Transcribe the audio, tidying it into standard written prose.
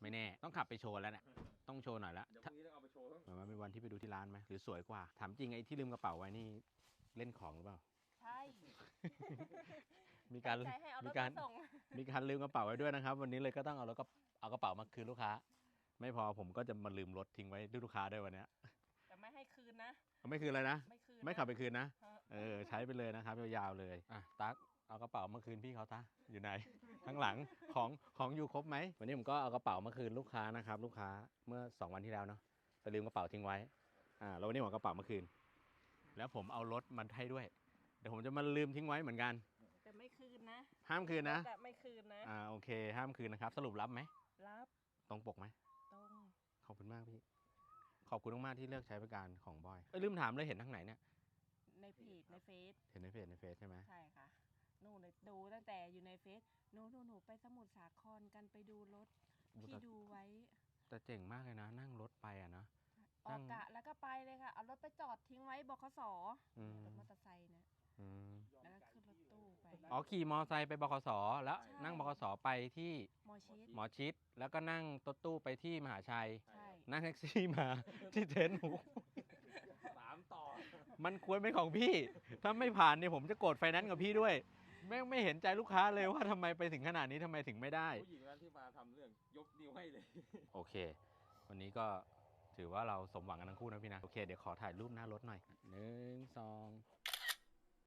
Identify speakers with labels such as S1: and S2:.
S1: ไม่แน่ต้องขับไปโชว์แล้วเนี่ยต้องโชว์หน่อยแล้ว
S2: เดี๋ยวพรุ่งนี้ต้องเอาไปโชว์
S1: เหมือนว่าเป็นวันที่ไปดูที่ร้านไหมหรือสวยกว่าถามจริงไอ้ที่ลืมกระเป๋าไว้นี่เล่นของหรือเปล่า
S3: ใช่
S1: มีการ
S3: ใจให้เอาร
S1: มี
S3: ถ
S1: การ
S3: มาส่ง
S1: มีการลืมกระเป๋าไว้ด้วยนะครับ วันนี้เลยก็ต้องเอาแล้วก็เอากระเป๋ามาคืนลูกค้า ไม่พอผมก็จะมาลืมรถทิ้งไว้ด้วยลูกค้าด้วยวันเนี้ย
S3: แต่ไม่ให้คืนนะ
S1: ไม่คืนเลยนะ
S3: ไม่คืน
S1: ไม่ขับไปคืนนะ
S3: ฮะ
S1: ใช้ไปเลยนะครับยาวๆเลยอ่ะตั๊กเอากระเป๋ามาคืนพี่เขาตาอยู่ไหน ข้างหลังของอยู่ครบไหมวันนี้ผมก็เอากระเป๋ามาคืนลูกค้านะครับลูกค้าเมื่อ2 วันที่แล้วเนาะไปลืมกระเป๋าทิ้งไว้แล้ววันนี้ผมเอากระเป๋ามาคืน แล้วผมเอารถมาให้ด้วยเดี๋ยวผมจะมาลืมทิ้งไว้เหมือนกัน
S3: แต่ไม่คืนนะ
S1: ห้ามคืนนะ
S3: แต่ไม่คืนนะ
S1: โอเค ห้ามคืนนะครับสรุปรับไหม
S3: รับ
S1: ตรงปกไหม
S3: ตรง
S1: ขอบคุณมากพี่ขอบคุณมากๆที่เลือกใช้บริการของบอยลืมถามเลยเห็นทางไหนเนี่ย
S3: ในเพจในเฟซ
S1: เห็นในเฟซใช่ไหม
S3: ใช่ค่ะหนูเลยดูตั้งแต่อยู่ในเฟซหนูไปสมุทรสาครกันไปดูรถที่ดูไว้
S1: แต่เจ๋งมากเลยนะ นั่งรถไปอะนะ
S3: ออกกะแล้วก็ไปเลยค่ะ เอารถไปจอดทิ้งไว้บขส
S1: อืม
S3: รถมอเตอร์ไซค์นะ
S1: อืม
S3: แล้วก็ขึ้นรถตู้ไป
S1: ขี่มอไซค์ไปบขสแล้ว
S3: ใช่
S1: นั่งบขสไปที่
S3: มอชิด
S1: หมอชิดแล้วก็นั่งรถตู้ไปที่มหาชัย
S3: ใช่
S1: นั่งแท็กซี่มา ที่เทนหมู
S2: 3 ต่อ
S1: มันควรเป็นของพี่ ถ้าไม่ผ่านเนี่ยผมจะโกรธไฟแนนซ์กับพี่ด้วยไม่เห็นใจลูกค้าเลยว่าทำไมไปถึงขนาดนี้ทำไมถึงไม่ได้
S2: ผู้หญิงนั้นที่มาทำเรื่องยกนิ้วให้เลย
S1: โอเค วันนี้ก็ถือว่าเราสมหวังกันทั้งคู่นะพี่นะ โอเค เดี๋ยวขอถ่ายรูปหน้ารถหน่อย1 2